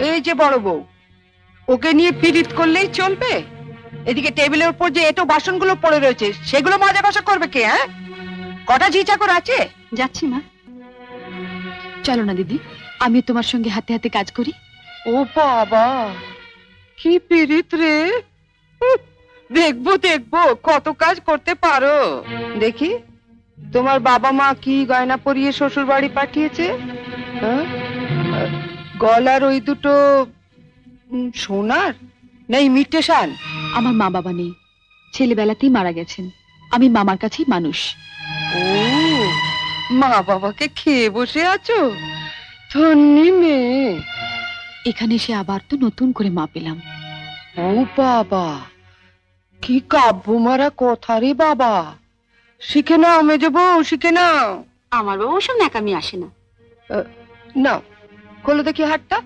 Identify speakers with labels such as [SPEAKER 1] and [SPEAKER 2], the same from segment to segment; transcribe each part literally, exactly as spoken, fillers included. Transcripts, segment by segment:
[SPEAKER 1] এই যে বড় বউ, ওকে নিয়ে পিরিত করলেই চলবে? এদিকে টেবিলের উপর যে এটো বাসনগুলো পড়ে রয়েছে সেগুলো মাজা কষা করবে কে? হ্যাঁ, কটা ঝি চাকর আছে?
[SPEAKER 2] যাচ্ছি মা। চলো না দিদি, আমি তোমার সঙ্গে হাতে হাতে কাজ করি।
[SPEAKER 1] ও বাবা, কি পিরিত রে! উহ, দেখবো দেখবো কত কাজ করতে পারো। দেখি তোমার বাবা মা কি গয়না পরিয়ে শ্বশুর বাড়ি পাঠিয়েছে। হ্যাঁ? গলার ওই দুটো উম, সোনার না ইমিটেশন?
[SPEAKER 2] আমার মা বাবা নেই, ছেলেবেলাতেই মারা গেছেন। আমি মামার কাছেই মানুষ।
[SPEAKER 1] ও, মা বাবাকে খেয়ে বসে আছো? ধন্যি মেয়ে।
[SPEAKER 2] এখানে এসে আবার তো নতুন করে মা পেলাম।
[SPEAKER 1] ও বাবা, কি কাব্য মারা কথা রে বাবা! শিখে নাও মেজো বউ, শিখে নাও।
[SPEAKER 2] আমার বাবা ওসব ন্যাকামি আসে না।
[SPEAKER 1] নাও, খোলো দেখি হাতটা।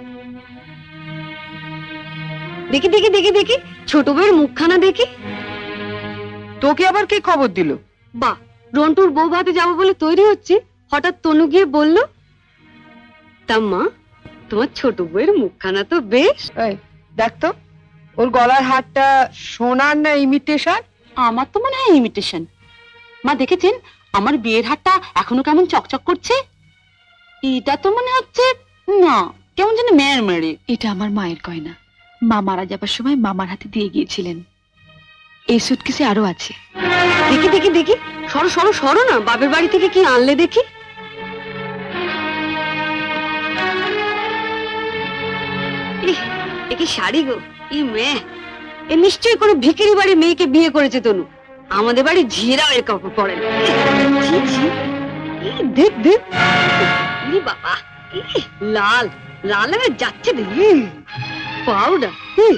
[SPEAKER 2] দেখি দেখি দেখি দেখি ছোট বউয়ের মুখখানা দেখি।
[SPEAKER 1] তোকে আবার কি খবর দিল?
[SPEAKER 2] বাহ, রন্টুর বউ ভাতে যাবো বলে তৈরি হচ্ছে, হঠাৎ তনু গিয়ে বলল, তা মা তোমার ছোট বউয়ের মুখখানা তো বেশ।
[SPEAKER 1] এই দেখ তো, ওর গলার হারটা সোনার না ইমিটেশন?
[SPEAKER 2] আমার তো মনে হয় ইমিটেশন। মা দেখেছেন আমার বিয়ের হারটা এখনো কেমন চকচক করছে? এটা তো মনে হচ্ছে না, কেমন যেন মেয়ের মেরে। এটা আমার মায়ের গয়না, মা মারা যাবার সময় মামার হাতে দিয়ে গিয়েছিলেন। এই সুটকেসে আরো আছে। দেখি দেখি দেখি, সরো সরো সরো না, বাপের বাড়ি থেকে কি আনলে দেখি। ইহ, এ কি শাড়ি গো! ই মেয়ে, এ নিশ্চয়ই কোনো ভিখারি বাড়ির মেয়েকে বিয়ে করেছে তনু। আমাদের বাড়ি ঝিরাও এর কাপড় পরে না। ছি, ছি। ই, দেখ দেখ, ই বাবা, ই, লাল লাল হয়ে যাচ্ছে দেখি। পাউডার।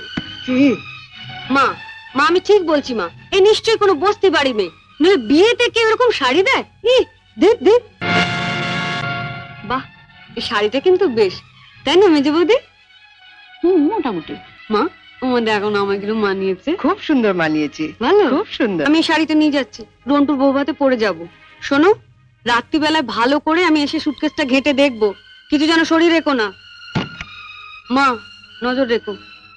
[SPEAKER 2] মা মা আমি ঠিক বলছি মা, এ নিশ্চয়ই কোনো বস্তি বাড়ি মেয়ে, নইলে বিয়েতে কেউ এরকম শাড়ি দেয়? ই দেখ দেখ, বাহ, এই শাড়িটা কিন্তু বেশ, তাই না মেজে বৌদি? হুম, মোটামুটি। মা আমাদের এখন আমাকে মানিয়েছে,
[SPEAKER 1] খুব সুন্দর মানিয়েছে,
[SPEAKER 2] ভালো,
[SPEAKER 1] খুব সুন্দর।
[SPEAKER 2] আমি এই শাড়িটা নিয়ে যাচ্ছি, রন্টুর বউ ভাতে পরে যাব। শোনো, রাত্রিবেলায় ভালো করে আমি এসে সুটকেসটা ঘেটে দেখবো, কিছু যেন শরীর রেখো না। মা নজর রেখো।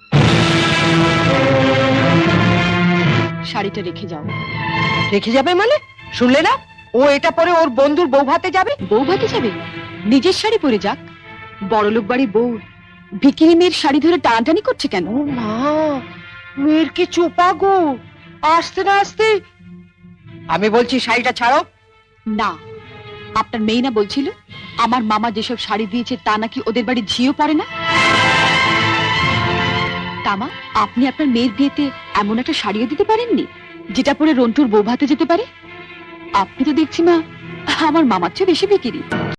[SPEAKER 2] শাড়িটা রেখে যাও।
[SPEAKER 1] রেখে যাবে মানে? শুনলে না, ও এটা পরে ওর বন্ধুর বউ ভাতে যাবে।
[SPEAKER 2] বউ ভাতে যাবে? নিজের শাড়ি পরে যাক। বড়লোক বাড়ি বউ ভিখিরি মেয়ের শাড়ি ধরে টানাটানি করছে কেন?
[SPEAKER 1] ও মা, মেয়ের কি চোপা গো! আসতে না আসতে। আমি বলছি শাড়িটা ছাড়ো।
[SPEAKER 2] না, আপনার মেয়ে না বলছিল আমার মামা যেসব শাড়ি দিয়েছে তা নাকি ওদের বাড়ি ঝিও পড়ে না? তামা, আপনি আপনার মেয়ের বিয়েতে এমন একটা শাড়িও দিতে পারেননি যেটা পরে রন্টুর বউ ভাতে যেতে পারে? আপনি তো দেখছি মা আমার মামার চেয়ে বেশি বিক্রি।